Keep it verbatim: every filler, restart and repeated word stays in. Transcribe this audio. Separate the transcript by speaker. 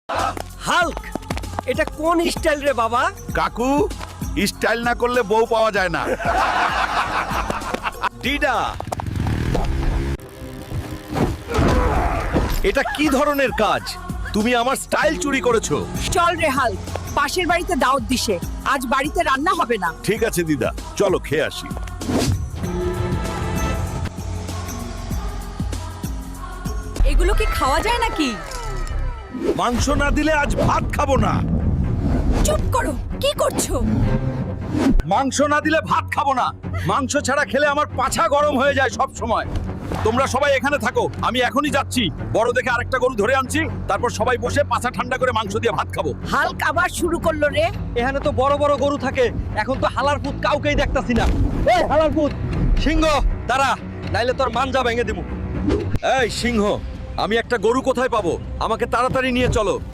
Speaker 1: Hulk, এটা কোন style রে বাবা?
Speaker 2: কাকু, স্টাইল না করলে বউ পাওয়া যায় না।
Speaker 1: ডিডা, এটা কি ধরনের কাজ? তুমি আমার স্টাইল চুরি করেছো।
Speaker 3: চল রে হাল্ক, পাশের বাড়িতে দাওয়াত দিছে, আজ বাড়িতে রান্না হবে না।
Speaker 2: ঠিক আছে দিদা, চলো খেয়ে আসি।
Speaker 3: এগুলো কি খাওয়া যায় নাকি?
Speaker 2: মাংস না দিলে আজ ভাত খাবো না।
Speaker 3: চুপ করো, কি করছো?
Speaker 2: মাংস না দিলে ভাত খাবো না। মাংস ছাড়া খেলে আমার পাছা গরম হয়ে যায় সব সময়। তোমরা সবাই এখানে থাকো, আমি এখনই যাচ্ছি। বড় দেখে আরেকটা গরু ধরে আনছি, তারপর সবাই বসে পাছা ঠান্ডা করে মাংস দিয়ে ভাত খাবো।
Speaker 3: হাল্ক আবার শুরু করলো রে।
Speaker 1: এখানে তো বড় বড় গরু থাকে, এখন তো হালার পুত কাউকেই দেখতাছি না। এই হালার পুত, সিংহ দাঁড়া, নাইলে তোর মাঞ্জা ভেঙে দেবো। এই সিংহ, আমি একটা গরু কোথায় পাবো? আমাকে তাড়াতাড়ি নিয়ে চলো।